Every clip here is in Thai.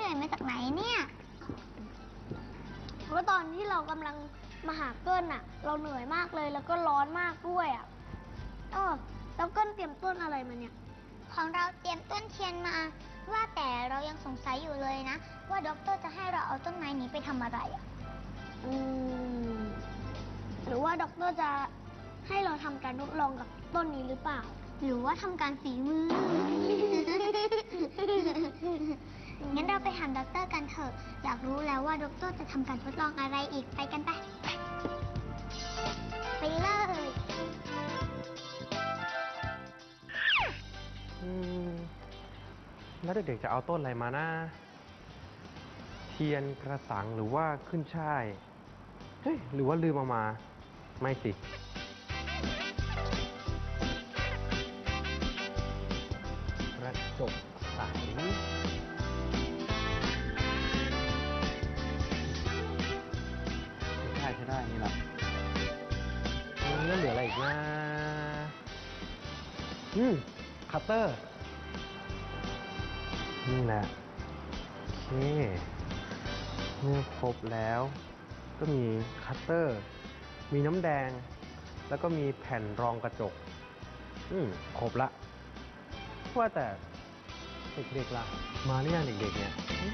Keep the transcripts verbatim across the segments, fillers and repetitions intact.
ญ่มาจากไหนเนี่ยเพราะตอนที่เรากำลังมาหาเกิ้ลน่ะ เราเหนื่อยมากเลยแล้วก็ร้อนมากด้วยอ่ะเออแล้วเกิ้ลเตรียมต้นอะไรมาเนี่ยของเราเตรียมต้นเทียนมาว่าแต่เรายังสงสัยอยู่เลยนะว่าด็อกเตอร์จะให้เราเอาต้นไม้นี้ไปทำอะไรอ่ะอืมหรือว่าด็อกเตอร์จะให้เราทำการทดลองกับต้นนี้หรือเปล่าหรือว่าทำการฝีมือ งั้นเราไปถามด็อกเตอร์กันเถอะอยากรู้แล้วว่าด็อกเตอร์จะทำการทดลองอะไรอีกไปกันไปไปเลยอืมแล้วเด็กๆจะเอาต้นอะไรมานะเทียนกระสังหรือว่าขึ้นช่ายเฮ้ยหรือว่าลืมเอามาไม่สิกระจกใสใช่ใช่ได้นี่แหละแล้วเหลืออะไรอีกนะอืมคัตเตอร์นี่แหละโอเคเมื่อครบแล้วก็มีคัตเตอร์มีน้ำแดงแล้วก็มีแผ่นรองกระจกอืมครบละว่าแต่เด็กๆล่ะมาหรือยังเด็กๆเนี่ย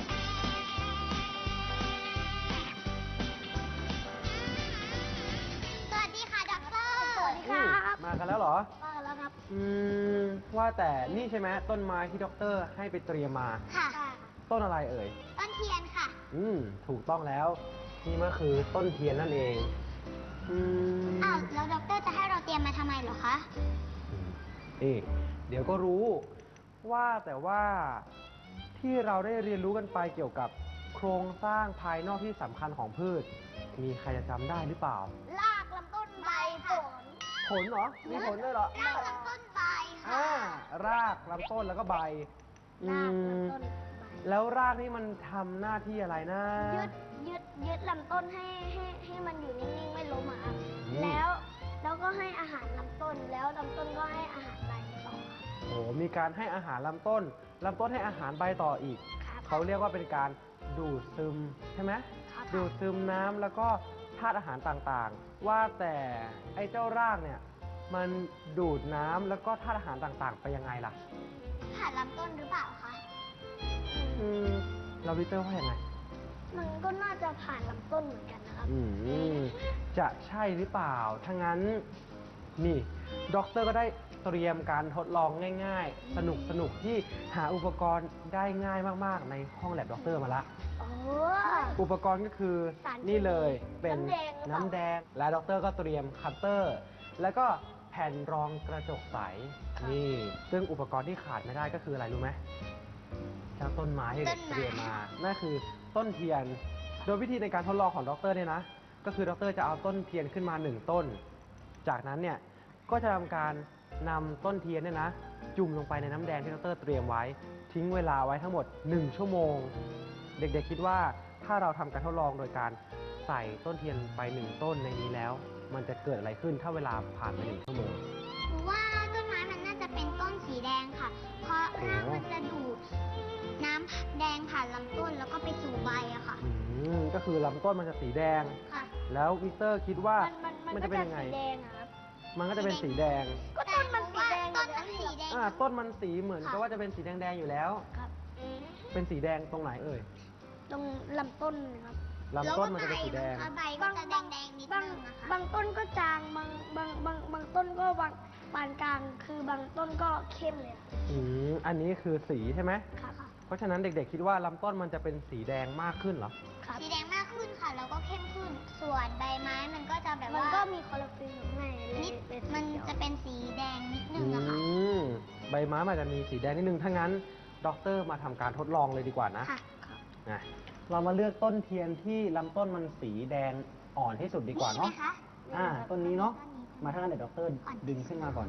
สวัสดีค่ะด็อกเตอร์สวัสดีครับมากันแล้วเหรอมาแล้วครับอืมว่าแต่นี่ใช่ไหมต้นไม้ที่ด็อกเตอร์ให้ไปเตรียมมาค่ะต้นอะไรเอ่ยต้นเทียนค่ะอืมถูกต้องแล้วนี่มันคือต้นเทียนนั่นเองอืมอ้าวแล้วด็อกเตอร์จะให้เราเตรียมมาทำไมเหรอคะนี่เดี๋ยวก็รู้ว่าแต่ว่าที่เราได้เรียนรู้กันไปเกี่ยวกับโครงสร้างภายนอกที่สำคัญของพืชมีใครจะจำได้หรือเปล่ารากลำต้นใบผลผลเหรอมีผลด้วยเหรอรากลำต้นใบค่ะอ่ารากลำต้นแล้วก็ใบรากลำต้นแล้วรากนี่มันทำหน้าที่อะไรนะยึดยึดยึดลำต้นให้ให้ให้มันอยู่นิ่งๆไม่ล้มอ่ะแล้วแล้วก็ให้อาหารลำต้นแล้วลำต้นก็ให้อาหารใบต่อโอ้มีการให้อาหารลำต้นลำต้นให้อาหารใบต่ออีกเขาเรียกว่าเป็นการดูดซึมใช่ไหมดูดซึมน้ำแล้วก็ธาตุอาหารต่างๆว่าแต่ไอ้เจ้ารากเนี่ยมันดูดน้ำแล้วก็ธาตุอาหารต่างๆไปยังไงล่ะผ่านลำต้นหรือเปล่าคะอืมเราวิเตอร์ว่ายังไงมันก็น่าจะผ่านลำต้นเหมือนกันนะครับอืมจะใช่หรือเปล่าถ้างั้นนี่ด็อกเตอร์ก็ได้เตรียมการทดลองง่ายๆสนุกสนุกที่หาอุปกรณ์ได้ง่ายมากๆในห้องแลบด็อกเตอร์มาละอุปกรณ์ก็คือนี่เลยเป็นน้ำแดงและด็อกเตอร์ก็เตรียมคัตเตอร์แล้วก็แผ่นรองกระจกใสนี่ซึ่งอุปกรณ์ที่ขาดไม่ได้ก็คืออะไรรู้ไหมเจ้าต้นไม้ที่เด็กเตรียมมานั่นคือต้นเทียนโดยวิธีในการทดลองของด็อกเตอร์เนี่ยนะก็คือด็อกเตอร์จะเอาต้นเทียนขึ้นมาหนึ่งต้นจากนั้นเนี่ยก็จะทำการนำต้นเทียนเนี่ยนะจุ่มลงไปในน้ำแดงที่ด็อกเตอร์เตรียมไว้ทิ้งเวลาไว้ทั้งหมดหนึ่งชั่วโมงเด็กๆคิดว่าถ้าเราทำการทดลองโดยการใส่ต้นเทียนไปหนึ่งต้นในนี้แล้วมันจะเกิดอะไรขึ้นถ้าเวลาผ่านไปหนึ่งชั่วโมงว่าต้นไม้มันน่าจะเป็นต้นสีแดงค่ะเพราะรากมันจะดูดน้ำแดงผ่านลำต้นแล้วก็ไปสู่ใบอะค่ะอืมก็คือลำต้นมันจะสีแดงค่ะแล้ววิกเตอร์คิดว่ามันจะเป็นยังไงมันก็จะเป็นสีแดงก็ต้นมันสีแดงต้นมันสีแดงอ่าต้นมันสีเหมือนกับว่าจะเป็นสีแดงๆอยู่แล้วครับเป็นสีแดงตรงไหนเอ่ยตรงลำต้นครับลำต้นมันจะเป็นสีแดงใบก็จะแดงๆนิดนึงนะคะบางต้นก็จางบางบางบางบางต้นก็บางปานกลางคือบางต้นก็เข้มเลยอืมอันนี้คือสีใช่ไหมค่ะเพราะฉะนั้นเด็กๆคิดว่าลำต้นมันจะเป็นสีแดงมากขึ้นเหรอสีแดงมากขึ้นค่ะแล้วก็เข้มขึ้นส่วนใบไม้มันก็จะแบบว่ามันก็มีคลอโรฟิลล์อยู่ข้างในนิดมันจะเป็นสีแดงนิดนึงอะค่ะใบไม้มันจะมีสีแดงนิดนึงถ้างั้นด็อกเตอร์มาทำการทดลองเลยดีกว่านะค่ะนะเรามาเลือกต้นเทียนที่ลำต้นมันสีแดงอ่อนที่สุดดีกว่าเนาะอ่าต้นนี้เนาะมาถ้างั้นเดี๋ยวด็อกเตอร์ดึงขึ้นมาก่อน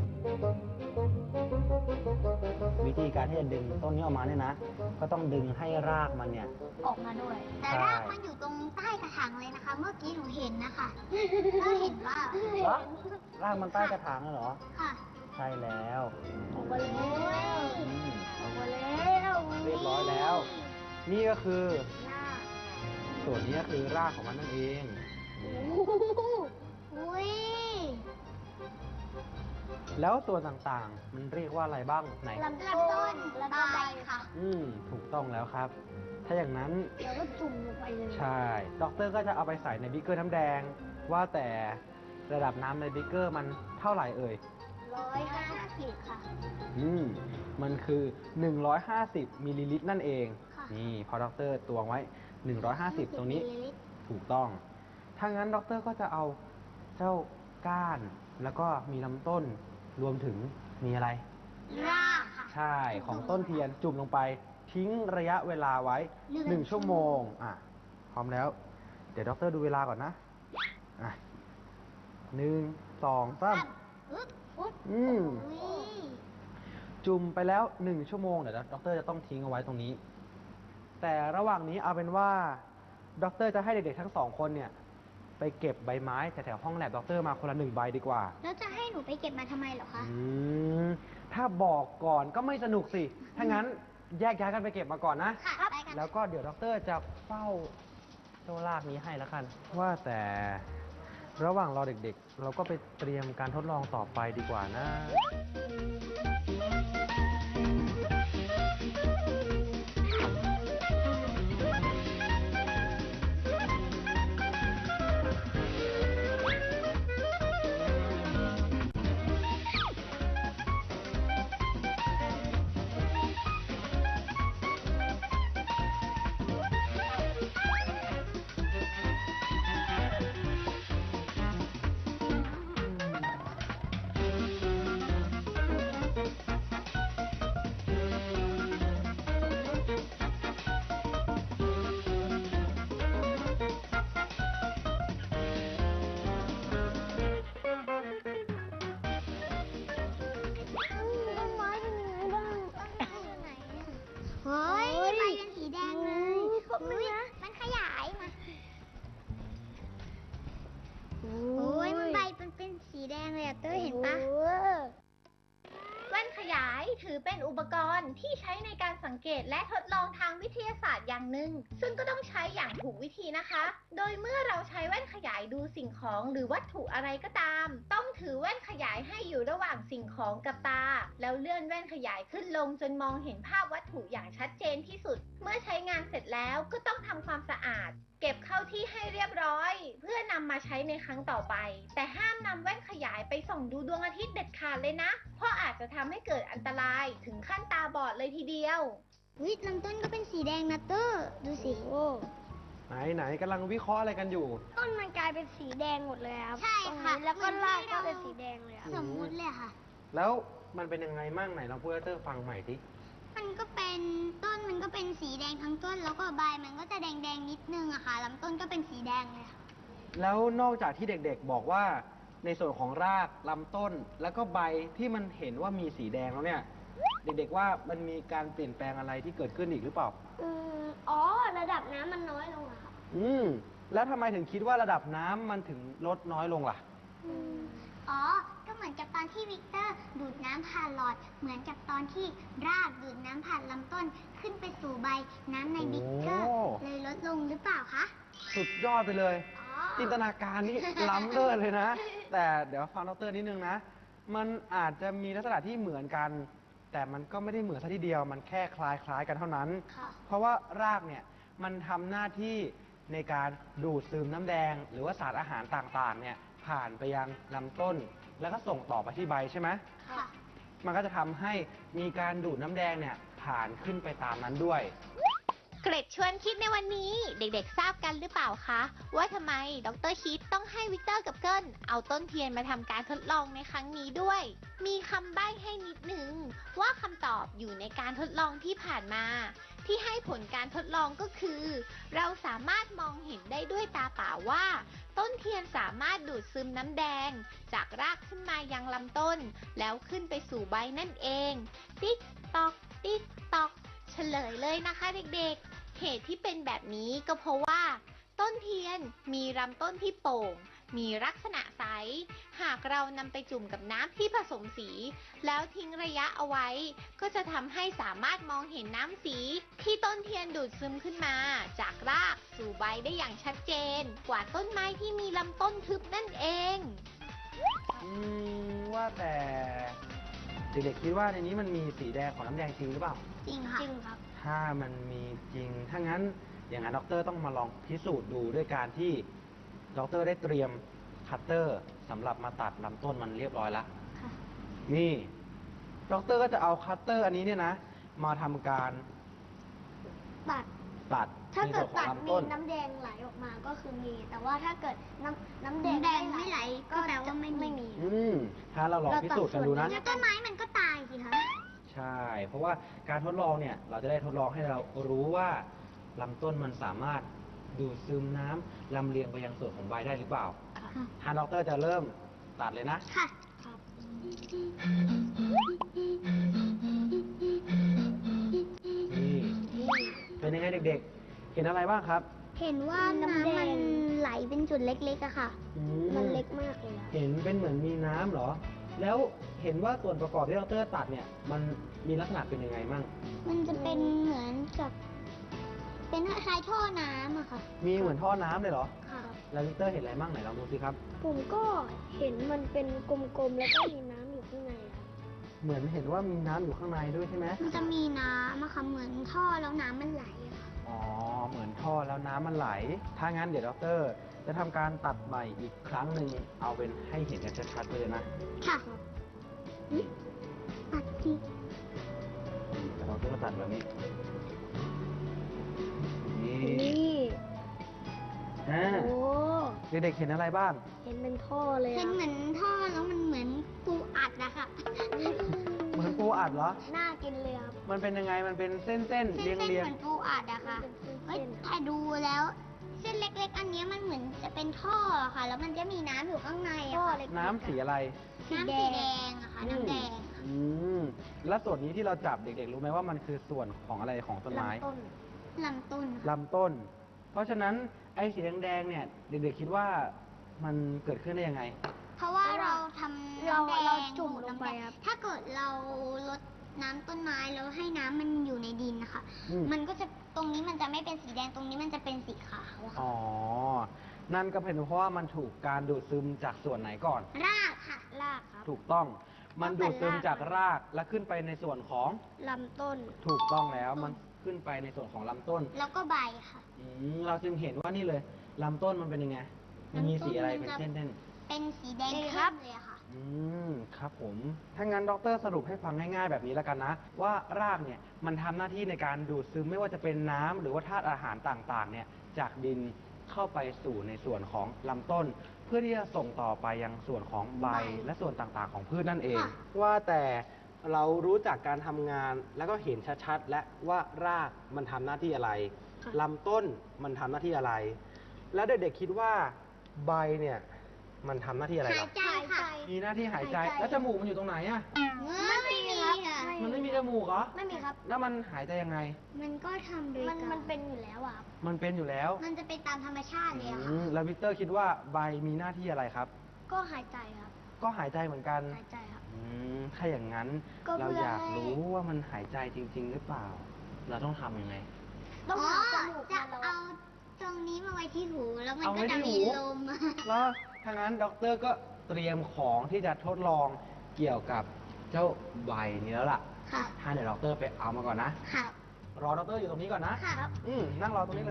วิธีการที่จะดึงต้นนี้ออกมาเนี่ยนะก็ต้องดึงให้รากมันเนี่ยออกมาด้วยแต่รากมันอยู่ตรงใต้กระถางเลยนะคะเมื่อกี้หนูเห็นนะคะก็เห็นว่ารากมันใต้กระถางเหรอค่ะใช่แล้วออกมาแล้วออกมาแล้วเรียบร้อยแล้วนี่ก็คือหน้าส่วนนี้ก็คือรากของมันนั่นเองโอ้โหอุ้ยแล้วส่วนต่างๆ มันเรียกว่าอะไรบ้างไหนลำลำต้ต้นนแล้วใบก็ใบค่ะอืมถูกต้องแล้วครับ ถ้าอย่างนั้นแล้วก็จุ่มลงไปเลยใช่ด็อกเตอร์ก็จะเอาไปใส่ในบิ๊กเกอร์น้ำแดง ว่าแต่ระดับน้ำในบิ๊กเกอร์มันเท่าไหร่เอ่ยร้อยห้าสิบค่ะอืมมันคือ หนึ่งร้อยห้าสิบมิลลิลิตรนั่นเองค่ะนี่พอด็อกเตอร์ตวงไว้ หนึ่งร้อยห้าสิบ ตรงนี้มิลลิลิตรถูกต้อง ถ้างั้นด็อกเตอร์ก็จะเอาเจ้าก้าน แล้วก็มีลำต้น รวมถึงมีอะไรรากค่ะใช่ ของต้นเทียนจุ่มลงไป ทิ้งระยะเวลาไว้หนึ่งหนึ่งชั่วโมง อ่ะ พร้อมแล้ว เดี๋ยวด็อกเตอร์ดูเวลาก่อนนะ อ่ะหนึ่ง สอง สามอึ๊บอุ๊บอืมอุ้ยจุ่มไปแล้วหนึ่งชั่วโมง เดี๋ยวด็อกเตอร์จะต้องทิ้งเอาไว้ตรงนี้ แต่ระหว่างนี้เอาเป็นว่าด็อกเตอร์จะให้เด็กๆทั้งสองคนเนี่ย ไปเก็บใบไม้แถวๆห้องแลบด็อกเตอร์มาคนละหนึ่งใบดีกว่าแล้วจะให้หนูไปเก็บมาทำไมเหรอคะอืม ถ้าบอกก่อนก็ไม่สนุกสิ ถ้างั้นแยกย้ายกันไปเก็บมาก่อนนะค่ะไปกันแล้วก็เดี๋ยวด็อกเตอร์จะเฝ้าเจ้าลากนี้ให้แล้วกัน ว่าแต่ระหว่างรอเด็กๆ เราก็ไปเตรียมการทดลองต่อไปดีกว่านะต้นไม้เป็นยังไงบ้างเฮ้ยใบเป็นสีแดงเลยขอบคุณนะมันขยายมา โอ้ยมันใบเป็นเป็นสีแดงเลยอะเต้ยเห็นปะโอ้แว่นขยายถือเป็นอุปกรณ์ที่ใช้ในการสังเกตและทดลองทางวิทยาศาสตร์อย่างหนึ่ง ซึ่งก็ต้องใช้อย่างถูกวิธีนะคะ โดยเมื่อเราใช้แว่นขยายดูสิ่งของหรือวัตถุอะไรก็ตาม ต้องถือแว่นขยายให้อยู่ระหว่างสิ่งของกับตา แล้วเลื่อนแว่นขยายขึ้นลงจนมองเห็นภาพวัตถุอย่างชัดเจนที่สุด เมื่อใช้งานเสร็จแล้วก็ต้องทำความสะอาด เก็บเข้าที่ให้เรียบร้อย เพื่อนำมาใช้ในครั้งต่อไป แต่ห้ามนำแว่นขยายไปส่องดูดวงอาทิตย์เด็ดขาดเลยนะ เพราะอาจจะทำให้เกิดอันตรายถึงขั้นตาบอดเลยทีเดียววิลำต้นก็เป็นสีแดงนะเต้ยดูสิโหไหนไหนกำลังวิเคราะห์อะไรกันอยู่ต้นมันกลายเป็นสีแดงหมดเลยครับใช่ค่ะตรงนี้แล้วก็รากก็เป็นสีแดงเลยอะสมมุติเลยค่ะแล้วมันเป็นยังไงมั่งไหนลองพูดให้เตอร์ฟังใหม่ดิมันก็เป็นต้นมันก็เป็นสีแดงทั้งต้น แล้วก็ใบมันก็จะแดงแดงๆนิดนึงอะค่ะลำต้นก็เป็นสีแดงเลยค่ะแล้วนอกจากที่เด็กๆบอกว่าในส่วนของรากลำต้น แล้วก็ใบที่มันเห็นว่ามีสีแดงแล้วเนี่ย เด็กๆว่ามันมีการเปลี่ยนแปลงอะไรที่เกิดขึ้นอีกหรือเปล่าอืมอ๋อ ระดับน้ำมันน้อยลงอะครับอืม แล้วทำไมถึงคิดว่าระดับน้ำมันถึงลดน้อยลงล่ะอืมอ๋อ ก็เหมือนกับตอนที่วิกเตอร์ดูดน้ำผ่านหลอด เหมือนกับตอนที่รากดูดน้ำผ่านลำต้นขึ้นไปสู่ใบน้ำในบิ๊กเกอร์โอ้เลยลดลงหรือเปล่าคะสุดยอดไปเลยอ๋อจินตนาการนี่ ล้ำเลิศเลยนะ แต่เดี๋ยวฟังดรนิดนึงนะ มันอาจจะมีลักษณะที่เหมือนกัน แต่มันก็ไม่ได้เหมือนซะทีเดียว มันแค่คล้ายคล้ายๆกันเท่านั้นค่ะเพราะว่ารากเนี่ยมันทำหน้าที่ในการดูดซึมน้ำแดง หรือว่าสารอาหารต่างๆ เนี่ยผ่านไปยังลำต้น แล้วก็ส่งต่อไปที่ใบใช่ไหมค่ะมันก็จะทำให้มีการดูดน้ำแดงเนี่ยผ่านขึ้นไปตามนั้นด้วยเกร็ดชวนคิดในวันนี้เด็กๆทราบกันหรือเปล่าคะ ว่าทำไมดรคิดต้องให้วิกเตอร์กับเกิลเอาต้นเทียนมาทำการทดลองในครั้งนี้ด้วย มีคำใบ้ให้นิดนึงว่าคำตอบอยู่ในการทดลองที่ผ่านมา ที่ให้ผลการทดลองก็คือ เราสามารถมองเห็นได้ด้วยตาเปล่าว่า ต้นเทียนสามารถดูดซึมน้ำแดง จากรากขึ้นมายังลำต้น แล้วขึ้นไปสู่ใบนั่นเอง ติ๊กตอก ติ๊กตอก เฉลยเลยนะคะเด็กๆ เหตุที่เป็นแบบนี้ก็เพราะว่า ต้นเทียนมีลำต้นที่โป่ง มีลักษณะสาหากเรานำไปจุ่มกับน้ำที่ผสมสี แล้วทิ้งระยะเอาไว้ ก็จะทำให้สามารถมองเห็นน้ำสีที่ต้นเทียนดูดซึมขึ้นมา จากรากสู่ใบได้อย่างชัดเจน กว่าต้นไม้ที่มีลำต้นทึบนั่นเองอืมว่าแต่เด็กๆคิดว่าในนี้มันมีสีแดงของน้ำแดงจริงหรือเปล่าจริงค่ะจริงครับถ้ามันมีจริง ถ้างั้นอย่างนั้นด็อกเตอร์ต้องมาลองพิสูจน์ดูด้วยการที่ด็อกเตอร์ได้เตรียมคัตเตอร์สำหรับมาตัดลำต้นมันเรียบร้อยแล้วค่ะนี่ด็อกเตอร์ก็จะเอาคัตเตอร์อันนี้เนี่ยนะ มาทำการตัดตัดถ้าในเกิส่วดนขอตังดลำมีต้นน้ำแดงไหลออกมาก็คือมี แต่ว่าถ้าเกิดน้ำน้ำแดงน้ำแดงไม่ไหลก็แปลว่าไม่มีไม่มีอืมถ้าเราลองพิสูจน์กันดูนะแล้วต้นไม้มันก็ตายสิคะใช่ เพราะว่าการทดลองเนี่ย เราจะได้ทดลองให้เรารู้ว่าลำต้นมันสามารถดูดซึมน้ำลำเลียงไปยังส่วนของใบได้หรือเปล่าค่ะทางด็อกเตอร์จะเริ่มตัดเลยนะค่ะครับนี่ เป็นยังไงเด็กๆ เห็นอะไรบ้างครับเห็นว่าน้ำมันไหลเป็นจุดเล็กๆอะค่ะอืมันเล็กมากเลยอะเห็นเป็นเหมือนมีน้ำเหรอ แล้วเห็นว่าส่วนประกอบที่ด็อกเตอร์ตัดเนี่ย มันมีลักษณะเป็นยังไงมั่งมันจะเป็นเหมือนกับ เป็นคล้ายๆท่อน้ำอะค่ะมีเหมือนท่อน้ำเลยเหรอค่ะแล้วด็อกเตอร์เห็นอะไรมั่งไหนลองดูสิครับผมก็เห็นมันเป็นกลมๆ แล้วก็มีน้ำอยู่ข้างในครับเหมือนเห็นว่ามีน้ำอยู่ข้างในด้วยใช่ไหมมันจะมีน้ำอะค่ะ เหมือนท่อแล้วน้ำมันไหลอะค่ะอ๋อ เหมือนท่อแล้วน้ำมันไหล ถ้างั้นเดี๋ยวด็อกเตอร์จะทำการตัดใหม่อีกครั้งหนึ่ง เอาเป็นให้เห็นกันชัดๆไปเลยนะค่ะอุ๊ยตัดทีแต่ด็อกเตอร์ก็ตัดแบบนี้ นี่นี่อ่าโอ้เด็กๆเห็นอะไรบ้างเห็นเป็นท่อเลยเป็นอะเหมือนท่อแล้วมันเหมือนปูอัดอะค่ะเหมือนปูอัดเหรอน่ากินเลยครับมันเป็นยังไง มันเป็นเส้นๆเส้นเรียงๆเรียงเหมือนปูอัดอะค่ะเป็นเฮ้ยเส้นๆถ้าดูแล้ว เส้นเล็กๆ อันเนี้ยมันเหมือนจะเป็นท่ออะค่ะ แล้วมันจะมีน้ำอยู่ข้างในอะท่อค่ะเล็กน้ำสีอะไรน้ำสีแดงอะค่ะ น้ำแดงอืม แล้วส่วนนี้ที่เราจับเด็กๆ รู้ไหมว่ามันคือส่วนของอะไรของต้นไม้ลำต้นลำต้นค่ะลำต้น เพราะฉะนั้นไอ้สีแดงๆ เนี่ย เด็กๆ คิดว่ามันเกิดขึ้นได้ยังไงเพราะว่าเราทำเราน้ำแดงเราจุ่มดูดลงไปครับถ้าเกิดเราลดน้ำต้นไม้แล้วให้น้ำมันอยู่ในดินนะคะอืมมันก็จะตรงนี้มันจะไม่เป็นสีแดงตรงนี้มันจะเป็นสีขาวอะค่ะอ๋อ นั่นก็เป็นเพราะว่ามันถูกการดูดซึมจากส่วนไหนก่อนรากค่ะรากครับถูกต้อง มันตั้ดูงดแต่ซึมรากจากรากและขึ้นไปในส่วนของลำต้นถูกต้องแล้ว มันขึ้นไปในส่วนของลำต้นแล้วก็ใบค่ะอืมเราจึงเห็นว่านี่เลยลำต้นมันเป็นยังไง มันมีสีอะไรเป็นเส้นเป็นสีแดงนี่คเข้รับมเลยอะค่ะๆอืม ครับผม ถ้างั้นด็อกเตอร์สรุปให้ฟังง่ายๆแบบนี้แล้วกันนะ ว่ารากเนี่ยมันทำหน้าที่ในการดูดซึมไม่ว่าจะเป็นน้ำหรือว่าธาตุอาหารต่างๆ เนี่ยจากดินเข้าไปสู่ในส่วนของลำต้น เพื่อที่จะส่งต่อไปยังส่วนของใบใบและส่วนต่างๆ ของพืชนั่นเองค่ะว่าแต่เรารู้จักการทำงานแล้วก็เห็นชัดๆ และว่ารากมันทำหน้าที่อะไรค่ะลำต้นมันทำหน้าที่อะไร แล้วเด็กๆคิดว่าใบเนี่ยมันทำหน้าที่อะไรหาหรยอใจค่ะมีหน้าที่หายใจหายใจแล้วจมูกมันอยู่ตรงไหนอะไม่มีค่ะมันไม่มีจมูกเหรอไม่มีครับแล้วมันหายใจยังไงมันก็ทำโดยมันการมันเป็นอยู่แล้วอะครับมันเป็นอยู่แล้วมันจะเป็นตามธรรมชาติเลยอะอืค่ะมแล้ววิกเตอร์คิดว่าใบมีหน้าที่อะไรครับก็หายใจครับก็หายใจเหมือนกันหายใจครับอืมถ้าอย่างนั้นก็เพื่เราออยากให้รู้ว่ามันหายใจจริง ๆ หรือเปล่า เราต้องทำยังไงต้องอ๋อหาจมูกจะมาแล้วเอาตรงนี้มาไว้ที่หู แล้วมันเอาไว้ก็จะที่มีหูลมแล้วถ้างั้นด็อกเตอร์ก็เตรียมของที่จะทดลองเกี่ยวกับเจ้าใบนี้แล้วล่ะค่ะถ้าเดี๋ยวด็อกเตอร์ไปเอามาก่อนนะค่ะรอด็อกเตอร์อยู่ตรงนี้ก่อนนะค่ะอืมนั่งรอตรงนี้เลย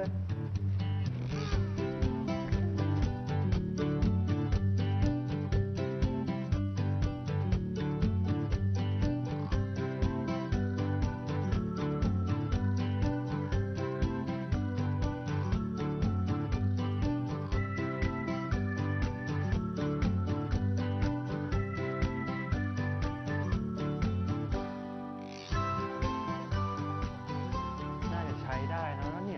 น่าจะใช้ได้นะเนี่ย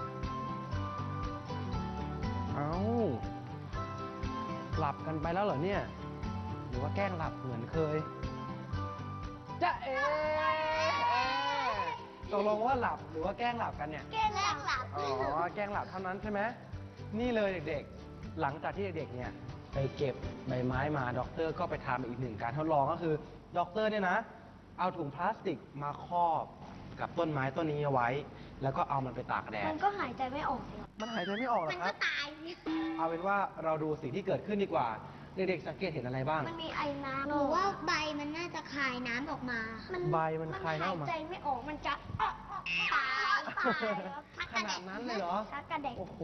เอาหลับกันไปแล้วเหรอเนี่ย หรือว่าแกล้งหลับเหมือนเคยจะเอ๋ตกลงว่าหลับหรือว่าแกล้งหลับกันเนี่ยแกล้งหลับอ๋อ แกล้งหลับเท่านั้นใช่ไหม นี่เลยเด็กๆ หลังจากที่เด็กๆ เนี่ยไปเก็บใบไม้มาด็อกเตอร์ก็ไปทำอีกหนึ่งการทดลองก็คือด็อกเตอร์เนี่ยนะเอาถุงพลาสติกมาครอบกับต้นไม้ต้นนี้เอาไว้ แล้วก็เอามันไปตากแดดมันก็หายใจไม่ออกเลยครับมันหายใจไม่ออกหรอมันครัก็บตายเอาเป็นว่าเราดูสิ่งที่เกิดขึ้นดีกว่า เด็กๆสังเกตเห็นอะไรบ้างมันมีไอน้ำหนูว่าใบมันน่าจะคายน้ำออกมาใบมันคายน้ำออกมาหายใจไม่ออกมันจะตายตายครับขนาดนั้นเลยเหรอชักกระเด็กโอ้โห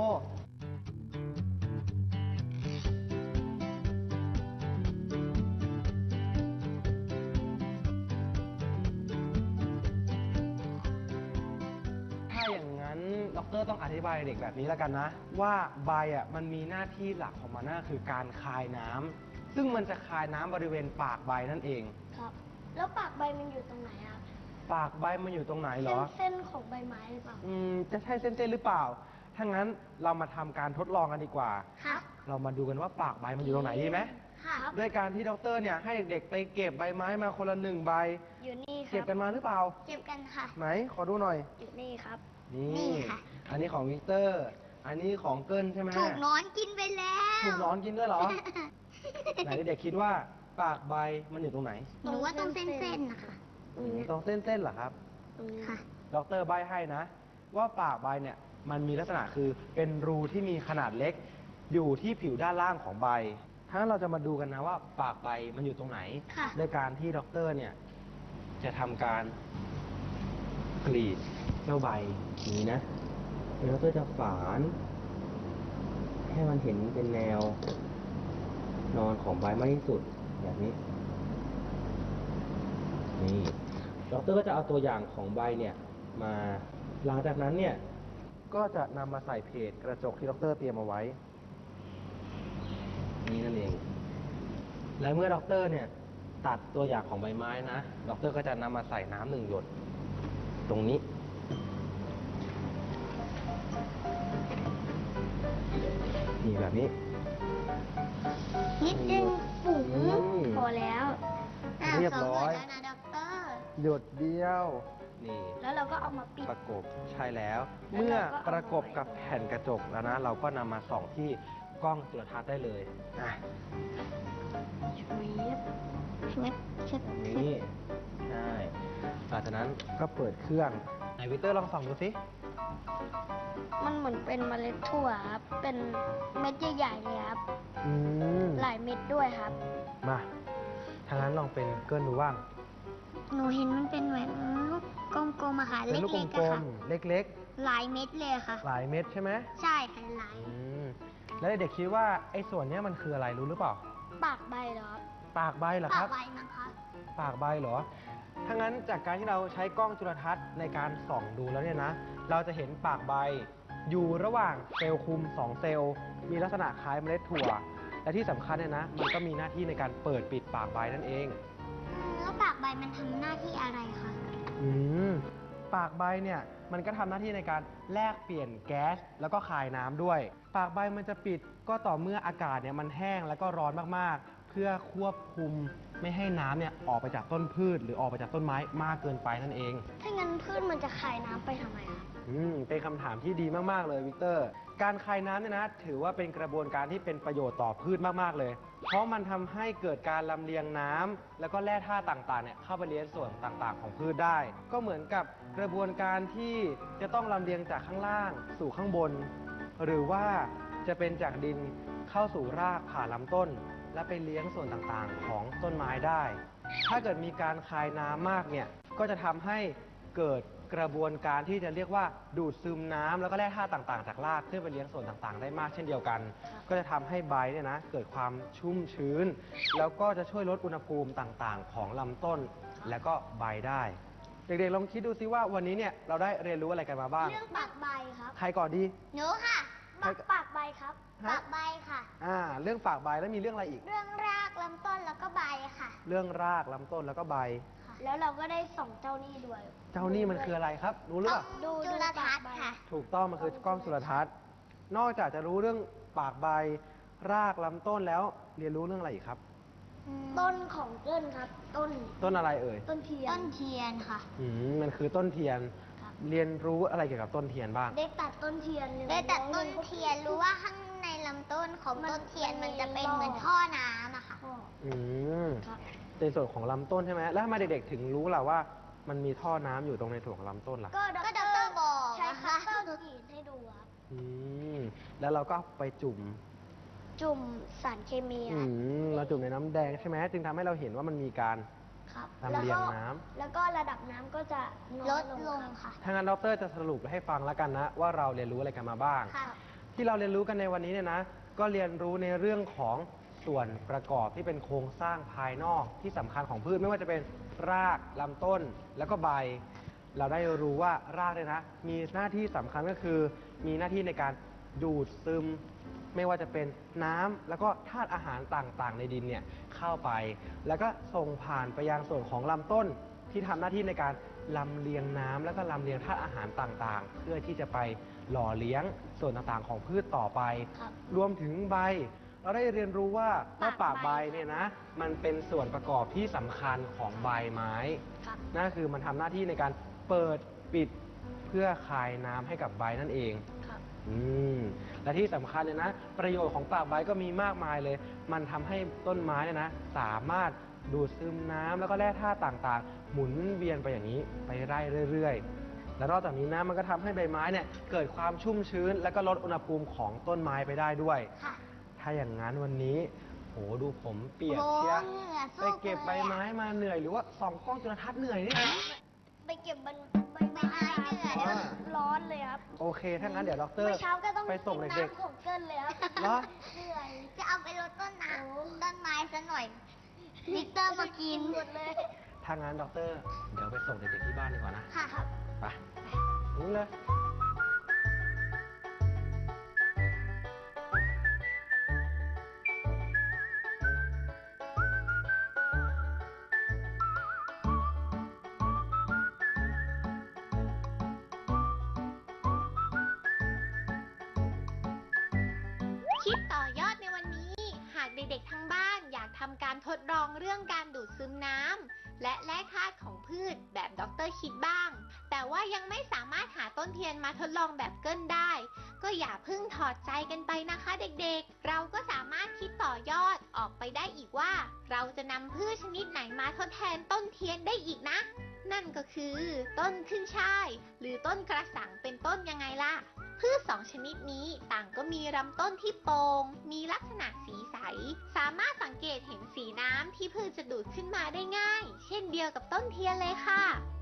ถ้าอย่างนั้นด็อกเตอร์ต้องอธิบายเด็กแบบนี้แล้วกันนะ ว่าใบอ่ะมันมีหน้าที่หลักของมันนั่นคือการคายน้ำซึ่งมันจะคายน้ำบริเวณปากใบนั่นเองครับ แล้วปากใบมันอยู่ตรงไหนครับปากใบมันอยู่ตรงไหนเหรเส้นอเส้นของใบไม้หรือเปล่าอืมจะใช่เส้นๆหรือเปล่า ถ้างั้นเรามาทำการทดลองกันดีกว่าครับเรามาดูกันว่าปากใบมันอยู่ตรงไหนดีไหมครับด้วยการที่ด็อกเตอร์เนี่ยให้เด็กๆไปเก็บใบไม้มาคนละหนึ่งใบอยู่นี่คเก็รับบ กันมาหรือเปล่าเก็บกันค่ะไหน ขอดูหน่อยอยู่นี่ครับนี่นี่ค่ะอันนี้ของวิกเตอร์ อันนี้ของเกิลใช่ไหมถูกนอนกินไปแล้วถูกนอนกินด้วยเหรอ ไหนเด็กๆคิดว่าปากใบมันอยู่ตรงไหนหนูว่าต้องเส้นๆนะคะตรงนี้ตรงเส้นๆเหรอครับตรงนี้ค่ะด็อกเตอร์ใบให้นะ ว่าปากใบเนี่ยมันมีลักษณะคือเป็นรูที่มีขนาดเล็ก อยู่ที่ผิวด้านล่างของใบถ้าเราจะมาดูกันนะว่าปากใบมันอยู่ตรงไหนค่ะด้วยการที่ด็อกเตอร์เนี่ยจะทำการกรีดเจ้าใบอย่างนี้นะแล้วด็อกเตอร์จะฝานให้มันเห็นเป็นแนวนอนของใบมากที่สุดแบบนี้นี่ด็อกเตอร์ก็จะเอาตัวอย่างของใบเนี่ยมาหลังจากนั้นเนี่ยก็จะนำมาใส่เพจกระจกที่ด็อกเตอร์เตรียมเอาไว้นี่นั่นเอง และเมื่อด็อกเตอร์เนี่ยตัดตัวอย่างของใบไม้นะด็อกเตอร์ก็จะนำมาใส่น้ำหนึ่งหยดตรงนี้นี่แบบนี้นิดนึงปุ๋งอืมพอแล้วอ่ะเรียบสองร้หอยยดแล้วนะด็อกเตอร์หยดเดียว นี่แล้วเราก็เอามาปิดประกบใช่แล้วแล้วเมื่อเราก็เอาประกบกับแผ่นกระจกแล้วนะ เราก็นำมาส่องที่กล้องจุลทรรศน์ได้เลยอ่ะชุบเช็ดเช็ดแบบนี้ใช่หลังจากนั้นก็เปิดเครื่องไหนวิเตอร์ลองส่องดูสิมันเหมือนเป็นเมล็ดถั่วครับ เป็นเม็ดใหญ่ๆเลยครับอืมหลายเม็ดด้วยครับมาทางนั้นลองเป็นเกินดูบ้างหนูเห็นมันเป็นเหมือนลูกกลมๆอะค่ะเป็นเล็ลูกกๆกลอะค่ะมๆ เล็กหลายเม็ดเลยอะค่ะๆ หลายเม็ดใช่ไหมใช่ค่ะหลายอืมแล้วเด็กๆคิดว่าไอ้ส่วนเนี้ยมันคืออะไรรู้หรือเปล่าปากใบเหรอครับปากใบเหรอปาคกรับใบมั้งคะปากใบเหรอ ถ้างั้นจากการที่เราใช้กล้องจุลทรรศน์ในการส่องดูแล้วเนี่ยนะ เราจะเห็นปากใบ อยู่ระหว่างเซลล์คุมสองเซลล์ มีลักษณะคล้ายเมล็ดถั่ว และที่สำคัญเนี่ยนะ มันก็มีหน้าที่ในการเปิดปิดปากใบนั่นเองอืมแล้วปากใบมันทำหน้าที่อะไรคะอืมปากใบเนี่ยมันก็ทำหน้าที่ในการแลกเปลี่ยนแก๊สแล้วก็คายน้ำด้วย ปากใบมันจะปิดก็ต่อเมื่ออากาศเนี่ยมันแห้งแล้วก็ร้อนมากๆ เพื่อควบคุมไม่ให้น้ำเนี่ยออกไปจากต้นพืช หรือออกไปจากต้นไม้มากเกินไปนั่นเองถ้างั้นพืชมันจะคายน้ำไปทำไมครับอืมเป็นคำถามที่ดีมากๆเลยวิกเตอร์ การคายน้ำเนี่ยนะถือว่าเป็นกระบวนการที่เป็นประโยชน์ต่อพืชมากๆเลย เพราะมันทำให้เกิดการลำเลียงน้ำแล้วก็แร่ธาตุต่างๆเนี่ยเข้าไปเลี้ยงส่วนต่างๆ ของพืชได้ ก็เหมือนกับกระบวนการที่จะต้องลำเลียงจากข้างล่างสู่ข้างบน หรือว่าจะเป็นจากดินเข้าสู่รากผ่านลำต้น และไปเลี้ยงส่วนต่างๆ ของต้นไม้ได้ ถ้าเกิดมีการคายน้ำมากเนี่ยก็จะทำให้เกิดกระบวนการที่จะเรียกว่าดูดซึมน้ำแล้วก็แร่ธาตุต่างๆ จากรากขึ้นไปเลี้ยงส่วนต่างๆ ได้มากเช่นเดียวกัน ก็จะทำให้ใบเนี่ยนะเกิดความชุ่มชื้น แล้วก็จะช่วยลดอุณหภูมิต่างๆ ของลำต้นและก็ใบได้ เด็กๆลองคิดดูซิว่าวันนี้เนี่ยเราได้เรียนรู้อะไรกันมาบ้างเรื่องปากใบครับใครก่อนดีหนูค่ะปากปากใบครับฮะปากใบค่ะอ่าเรื่องปากใบแล้วมีเรื่องอะไรอีกเรื่องรากลำต้นแล้วก็ใบค่ะเรื่องรากลำต้นแล้วก็ใบแล้วเราก็ได้ส่องเจ้านี่ด้วยเจ้านี่มันคืออะไรครับ รู้หรือเปล่าดูจุลทรรศน์ค่ะถูกต้องมันคือกล้องจุลทรรศน์ นอกจากจะรู้เรื่องปากใบ รากลำต้นแล้วเรียนรู้เรื่องอะไรอีกครับต้นของเกินครับ ต้นต้นอะไรเอ่ยต้นเทียนต้นเทียนค่ะอืมมันคือต้นเทียนครับเรียนรู้อะไรเกี่ยวกับต้นเทียนบ้างได้ตัดต้นเทียนเลยได้ตัดต้นเทียนรู้ว่าข้างในลำต้นของมันต้นเทียนมัมันนจะเป็นมีเหมือนรอบท่อน้ำอะค่ะก็อืมครับในส่วนของลำต้นใช่ไหมแล้วทำไมเด็กๆถึงรู้ล่ะว่ามันมีท่อน้ำอยู่ตรงในส่วนของลำต้นล่ะก็ก็ด็อกเตอร์บอกใช้นะคัคะตเตอร์กรีดให้ดูครับอืมแล้วเราก็ไปจุ่มจุ่มสารเคมีคอืรับมเราจุ่มในน้ำแดงใช่ไหมจึงทำให้เราเห็นว่ามันมีการครับลำแล้วเลียก็งน้ำแล้วก็ระดับน้ำก็จะน้ลอยดลงลงครับค่ะถ้างั้นดรจะสรุปให้ฟังแล้วกันนะว่าเราเรียนรู้อะไรกันมาบ้างค่ะที่เราเรียนรู้กันในวันนี้เนี่ยนะ ก็เรียนรู้ในเรื่องของส่วนประกอบที่เป็นโครงสร้างภายนอกที่สำคัญของพืชไม่ว่าจะเป็นรากลำต้นแล้วก็ใบ เราได้รู้ว่ารากเนี่ยนะมีหน้าที่สำคัญก็คือ มีหน้าที่ในการดูดซึม ไม่ว่าจะเป็นน้ำแล้วก็ธาตุอาหารต่างๆ ในดินเนี่ยเข้าไป แล้วก็ส่งผ่านไปยังส่วนของลำต้นที่ทำหน้าที่ในการลำเลียงน้ำแล้วก็ลำเลียงธาตุอาหารต่างๆ เพื่อที่จะไปหล่อเลี้ยงส่วนต่างๆ ของพืชต่อไปครับรวมถึงใบ เราได้เรียนรู้ว่าว่าปากใบเนี่ยนะ มันเป็นส่วนประกอบที่สำคัญของใบไม้ครับนั่นคือมันทำหน้าที่ในการเปิดปิดเพื่อคายน้ำให้กับใบนั่นเองครับอืมและที่สำคัญเลยนะ ประโยชน์ของปากใบก็มีมากมายเลย มันทำให้ต้นไม้เนี่ยนะ สามารถดูดซึมน้ำแล้วก็แร่ธาตุต่างๆ หมุนเวียนไปอย่างนี้ไปได้เรื่อยๆ และนอกจากนี้นะมันก็ทำให้ใบไม้เนี่ยเกิดความชุ่มชื้น และก็ลดอุณหภูมิของต้นไม้ไปได้ด้วยค่ะถ้าอย่างนั้นวันนี้โหดูผมเปียกโอ้เชียเหงื่อไปสู้เก็บใบไม้มาเหนื่อยหรือว่าส่องกล้องจุลทรรศน์เหนื่อยนี่นะไปเก็บใบใบใบไม้ไม้เหนื่อยอ่าร้อนเลยครับโอเค ถ้างั้นเดี๋ยวดรเมื่อเช้าก็ต้องไปส่งกินเด็กน้ำของเกินเลยครับๆเหรอเหนื่อยจะเอาไปลดต้นน้ำต้นไม้ซะหน่อยลิตเตอร์มากินหมดเลยถ้างั้นดรเดี๋ยวไปส่งเด็กๆที่บ้านดีกว่านะค่ะไปนี่เลยคิดต่อยอดในวันนี้ หากเด็กๆทั้งบ้านอยากทำการทดลองเรื่องการดูดซึมน้ำและแร่ธาตุของพืชแบบดรคิดบ้าง แต่ว่ายังไม่สามารถหาต้นเทียนมาทดลองแบบเกิ้ลได้ ก็อย่าเพิ่งถอดใจกันไปนะคะเด็กๆ เราก็สามารถคิดต่อยอดออกไปได้อีกว่า เราจะนำพืชชนิดไหนมาทดแทนต้นเทียนได้อีกนะ นั่นก็คือต้นขึ้นช่าย หรือต้นกระสังเป็นต้นยังไงล่ะ พืชสองชนิดนี้ต่างก็มีลำต้นที่โปร่ง มีลักษณะสีใส สามารถสังเกตเห็นสีน้ำที่พืชจะดูดขึ้นมาได้ง่าย เช่นเดียวกับต้นเทียนเลยค่ะ